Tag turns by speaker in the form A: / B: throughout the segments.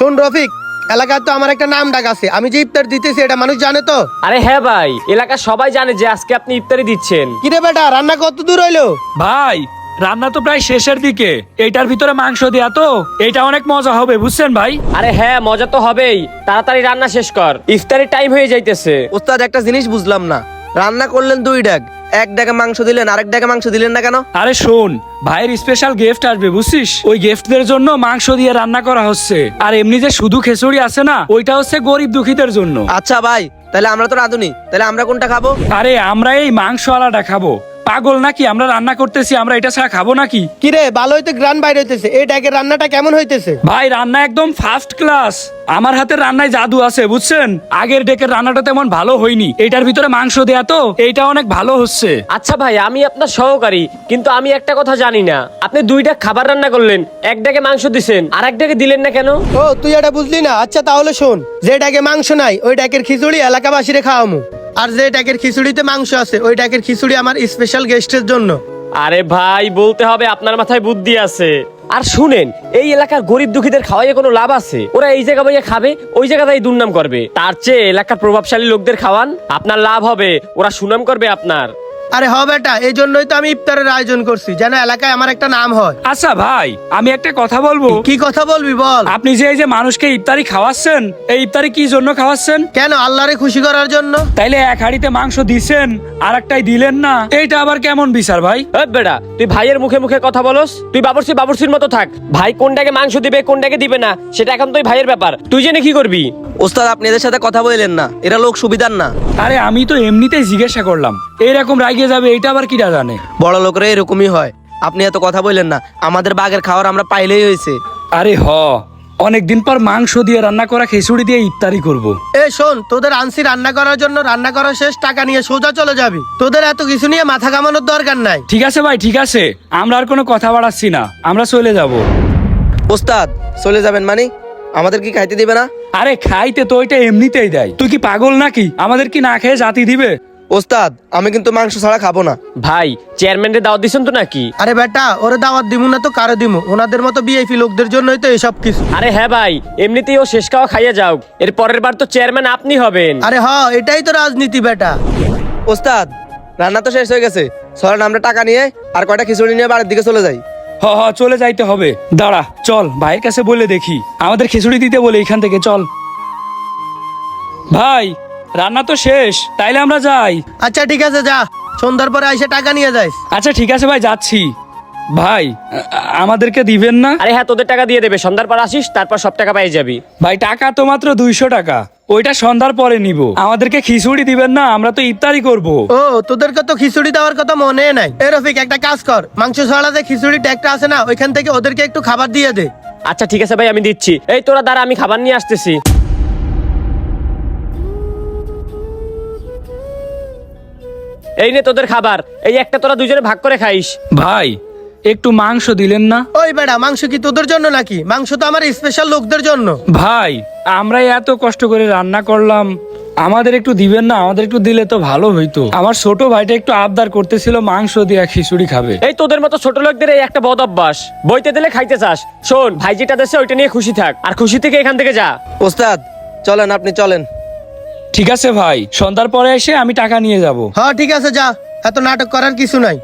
A: শোন রফিক, এলাকায় তো আমার একটা নাম ডাক আছে, আমি যে ইফতার দিতেছি এটা মানুষ জানে তো?
B: আরে হ্যাঁ ভাই, এলাকার সবাই জানে যে আজকে আপনি ইফতারি দিচ্ছেন।
A: কিরে বেটা, রান্না কত দূর হইলো?
C: ভাই রান্না তো প্রায় শেষের দিকে, এইটার ভিতরে মাংস দেয়া তো, এটা অনেক মজা হবে বুঝছেন ভাই।
B: আরে হ্যাঁ, মজা তো হবেই, তাড়াতাড়ি রান্না শেষ কর, ইফতারির টাইম হয়ে যাইতেছে।
D: ওস্তাদ একটা জিনিস বুঝলাম না, রান্না করলেন 2 ডাক, এক ডাকে মাংস দিলেন, আরেক ডাকে মাংস দিলেন না কেন?
C: আরে শোন, ভাইয়ের স্পেশাল গিফট আসবে বুঝছিস, ওই গিফটদের জন্য মাংস দিয়ে রান্না করা হচ্ছে। আর এমনি যে শুধু খিচুড়ি আছে না, ওইটা হচ্ছে গরিব দুঃখীদের জন্য।
D: আচ্ছা ভাই, তাহলে আমরা তো রাঁধুনি, তাহলে আমরা কোনটা খাবো?
C: আরে আমরা এই মাংস আলাদা খাবো, পাগল নাকি? আমরা রান্না করতেছি, আমরা এটা ছাড়া খাবো নাকি?
A: কিরে ভালো হইতে গ্রান বাইরে হইতেছে, এই ডাকের রান্নাটা কেমন হইতেছে?
C: ভাই রান্না একদম ফার্স্ট ক্লাস, আমার হাতের রান্নায় জাদু আছে বুঝছেন। আগের ডেকের রান্নাটা তেমন ভালো হয়নি, এটার ভিতরে মাংস দেয়া তো, এইটা অনেক ভালো হচ্ছে।
B: আচ্ছা ভাই, আমি আপনার সহকারী, কিন্তু আমি একটা কথা জানি না, আপনি 2 ডাক খাবার রান্না করলেন, এক ডাকে মাংস দিছেন, আর এক ডাকে দিলেন না কেন?
A: ও তুই এটা বুঝলি না? আচ্ছা তাহলে শোন, যে ডাকে মাংস নাই ওই ডাকের খিচুড়ি এলাকাবাসীরে খাওয়ামু, আর যে ডাকের খিচুড়িতে মাংস আছে ওই ডাকের খিচুড়ি আমার স্পেশাল গেস্টের জন্য।
B: আরে ভাই, বলতে হবে আপনার মাথায় বুদ্ধি আছে। আর শুনেন, এই এলাকার গরিব দুঃখীদের খাওয়াইয়ে কোনো লাভ আছে? ওরা এই জায়গা বইয়ে খাবে, ওই জায়গাতেই দুর্নাম করবে। তার চেয়ে এলাকার প্রভাবশালী লোকদের খাওয়ান, আপনার লাভ হবে, ওরা সুনাম করবে আপনার।
A: আরে হ বেটা, এই জন্যই তো আমি ইফতারের আয়োজন করছি, যেন এলাকায় আমার একটা নাম হয়।
C: আচ্ছা ভাই, আমি একটা কথা বলবো।
A: কি কথা বলবি বল?
C: আপনি যে এই যে মানুষকে ইফতারি খাওয়াচ্ছেন, এই ইফতারি কি জন্য খাওয়াচ্ছেন?
A: কেন, আল্লাহরে খুশি করার জন্য।
C: তাইলে এক হাঁড়িতে মাংস দিছেন আর একটাই দিলেন না, এইটা আবার কেমন বিচার ভাই?
B: এই বেটা, তুই ভাইয়ের মুখে মুখে কথা বলস, তুই বাবুর্চির মতো থাক। ভাই কোনটাকে মাংস দিবে কোনটাকে দিবে না সেটা এখন তুই ভাইয়ের ব্যাপার, তুই জেনে কি করবি?
D: ওস্তাদ আপনি এদের সাথে কথা বললেন না, এরা লোক সুবিধার না।
C: আরে আমি তো এমনিতেই জিজ্ঞাসা করলাম, এইরকম রাইগে যাবে এটা আবার কিটা জানে।
D: বড় লোকরা এরকমই হয়, আপনি এত কথা বললেন না, আমাদের বাগের খাবার আমরা পাইলেই হয়েছে।
C: আরে অনেকদিন পর মাংস দিয়ে রান্না করা খিচুড়ি দিয়ে ইফতারি করব।
A: এ শোন, তোদের আনছি রান্না করার জন্য, রান্না করা শেষ টাকা নিয়ে সোজা চলে যাবি, তোদের এত কিছু নিয়ে মাথা কামানোর দরকার নাই।
C: ঠিক আছে ভাই, ঠিক আছে, আমরা আর কোনো কথা বাড়াচ্ছি না, আমরা চলে যাব।
D: ওস্তাদ চলে যাবেন মানে? আমাদের কি খাইতে দিবে না?
C: আরে খাইতে তো ওইটা এমনিতেই দেয়, তুই কি পাগল নাকি? আমাদের কি না খেয়ে জাতি দিবে?
D: ওস্তাদ আমি কিন্তু মাংস ছাড়া খাবো না।
B: ভাই, চেয়ারম্যানের দাওয়াত দিছেন তো নাকি?
A: আরে বেটা, ওরে দাওয়াত দিমু না তো কারে দিমু? ওনাদের মতো ভিআইপি লোকদের জন্যই তো এসব কিছু।
B: আরে হ্যাঁ ভাই, এমনিতেই ও শেষ খাওয়া খাইয়া যাও, এর পরের বার তো চেয়ারম্যান আপনি হবেন।
A: আরে এটাই তো রাজনীতি বেটা।
D: ওস্তাদ রান্না তো শেষ হয়ে গেছে, চলেন আমরা টাকা নিয়ে আর কয়টা খিচুড়ি নিয়ে বাড়ির দিকে চলে যাই।
C: চলে যাইতে হবে, দাঁড়া চল ভাইয়ের কাছে বলে দেখি, আমাদের খিচুড়ি দিতে বলে এখান থেকে চল। ভাই রান্না তো শেষ, তাইলে আমরা যাই।
A: আচ্ছা ঠিক আছে, যা, সন্ধ্যার পরে আইসে টাকা নিয়ে যাইস।
C: আচ্ছা ঠিক আছে ভাই, যাচ্ছি। ভাই আমাদেরকে দিবেন না?
B: আরে হ্যাঁ, তোদের টাকা দিয়ে দেবে, সন্ধ্যার পর আসিস, তারপর সব টাকা পেয়ে যাবি।
C: ভাই টাকা তো মাত্র 200 টাকা, ওইটা সন্ধ্যার পরে নিব। আমাদেরকে খিচুড়ি দিবেন না? আমরা তো ইফতারি করব।
A: ও তোদেরকে তো খিচুড়ি দেওয়ার কথা মনে নাই। এ রফিক, একটা কাজ কর, মাংস ছাড়া যে খিচুড়ি ট্যাগটা আছে না, ওইখান থেকে ওদেরকে একটু খাবার দিয়ে দে।
B: আচ্ছা ঠিক আছে ভাই, আমি দিচ্ছি। এই তোরা দাঁড়া, আমি খাবার নিয়ে আসতেছি। এই নে তোদের খাবার, এই একটা তোরা দুজনে ভাগ করে খাইস।
C: ভাই একটু মাংস দিলেন না?
A: ওই বেটা, মাংস কি তোদের জন্য নাকি? মাংস তো আমার স্পেশাল লোকদের জন্য।
C: ভাই আমরা এত কষ্ট করে রান্না করলাম, আমাদের একটু দিবেন না? আমাদের একটু দিলে তো ভালো হইতো। আমার ছোট ভাইটা একটু আবদার করতেছিল মাংস দিয়ে খিচুড়ি খাবে।
B: এই তোদের মতো ছোট লোকদের এই একটা বদ অভ্যাস, বইতে দিলে খাইতে চাস। শোন, ভাই যেটা দেশে ওইটা নিয়ে খুশি থাক, আর খুশি থেকে এখান থেকে যা।
D: ওস্তাদ চলেন, আপনি চলেন।
C: ঠিক আছে ভাই, সন্ধ্যার পরে এসে আমি টাকা নিয়ে যাব।
A: হ্যাঁ ঠিক আছে, যা, এত নাটক করার কিছু নাই।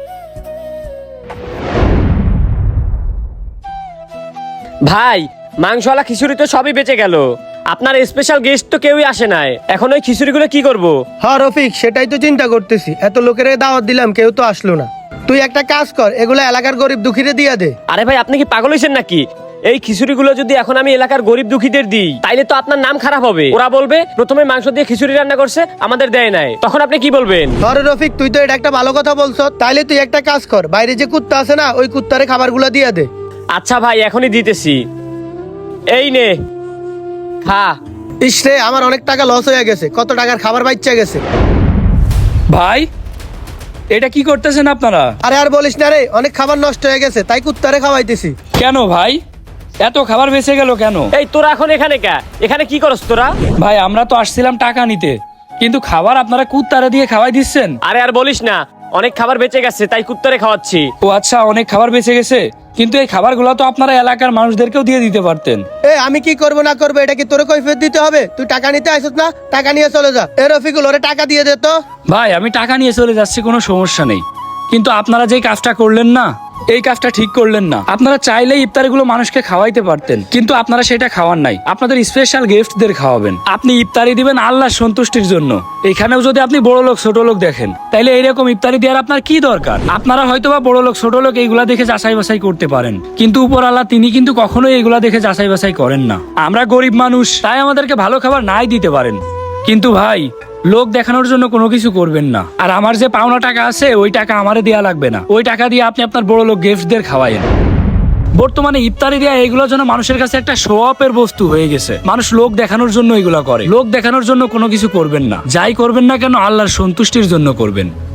B: ভাই, মাংসওয়ালা খিচুড়ি তো সবই বেঁচে গেল, আপনার স্পেশাল গেস্ট তো কেউই আসে নাই, এখন ওই খিচুড়িগুলো কি করব?
A: হ্যাঁ রফিক, সেটাই তো চিন্তা করতেছি, এত লোকের দাওয়াত দিলাম, কেউ তো আসলো না। তুই একটা কাজ কর, এগুলো এলাকার গরিব দুঃখীরে দিয়ে দে।
B: আরে ভাই, আপনি কি পাগল হয়েছেন নাকি? এই খিচুড়িগুলো যদি এখন আমি এলাকার গরিব দুঃখীদের দিই, তাইলে তো আপনার নাম খারাপ হবে। ওরা বলবে প্রথমে মাংস দিয়ে খিচুড়ি রান্না করছে, আমাদের দেয় নাই, তখন আপনি কি বলবেন?
A: আরে রফিক, তুই তো এটা একটা ভালো কথা বলছ, তাইলে তুই একটা কাজ কর, বাইরে যে কুত্তা আছে না, ওই কুত্তারে খাবারগুলো দিয়ে দে।
B: আচ্ছা ভাই, এখনই দিতেছি। এই নে, খা।
A: ইস রে, আমার অনেক টাকা লস হয়ে গেছে, কত টাকার খাবার বাচ্চা গেছে।
C: ভাই এটা কি করতেছেন আপনারা?
A: আরে আর বলিস না রে, অনেক খাবার নষ্ট হয়ে গেছে, তাই কুত্তারে খাওয়াইতেছি।
C: কেন ভাই, এত খাবার বেঁচে গেল কেন?
B: এই তোরা এখন এখানে এখানে কি করস তোরা?
C: ভাই আমরা তো আসছিলাম টাকা নিতে, কিন্তু খাবার আপনারা কুত্তারে দিয়ে খাওয়াই দিচ্ছেন।
B: আরে আর বলিস না, অনেক খাবার বেঁচে গেছে, তাই কুত্তরে খাওয়াচ্ছি।
C: ও আচ্ছা, অনেক খাবার বেঁচে গেছে, কিন্তু এই খাবারগুলো তো আপনারা এলাকার মানুষদেরকেও দিয়ে দিতে পারতেন।
A: আমি কি করবো না করবো এটা কি তোর কৈফিয়ত দিতে হবে? তুই টাকা নিতে আসছ না, টাকা নিয়ে চলে যা। রফিকুল, ওরে টাকা দিয়ে দে তো।
C: ভাই আমি টাকা নিয়ে চলে যাচ্ছি, কোনো সমস্যা নেই, কিন্তু আপনারা যেই কাজটা করলেন না, এই কাজটা ঠিক করলেন না। আপনারা চাইলেই ইফতারিগুলো মানুষকে খাওয়াইতে পারতেন, কিন্তু আপনারা সেটা খাওয়ান নাই। আপনাদের স্পেশাল গিফটদের খাওয়াবেন। আপনি ইফতারি দিবেন আল্লাহর সন্তুষ্টির জন্য। এখানেও যদি আপনি বড় লোক ছোট লোক দেখেন, তাইলে এইরকম ইফতারি দেওয়ার আপনার কি দরকার? আপনারা হয়তোবা বড় লোক ছোট লোক এইগুলা দেখে যাচাই বাছাই করতে পারেন, কিন্তু উপর আল্লাহ তিনি কিন্তু কখনোই এইগুলা দেখে যাচাই বাছাই করেন না। আমরা গরিব মানুষ, তাই আমাদেরকে ভালো খাবার নাই দিতে পারেন, কিন্তু ভাই লোক দেখানোর জন্য কোনো কিছু করবেন না। আর আমার যে পাওনা টাকা আছে ওই টাকা আমারে দেয়া লাগবে না, ওই টাকা দিয়ে আপনি আপনার বড় লোক গিফটদের খাওয়াইন। বর্তমানে ইফতারি দেয়া এগুলোর জন্য মানুষের কাছে একটা শো অফের বস্তু হয়ে গেছে। মানুষ লোক দেখানোর জন্য এগুলো করে। লোক দেখানোর জন্য কোনো কিছু করবেন না, যাই করবেন না কেন আল্লাহর সন্তুষ্টির জন্য করবেন।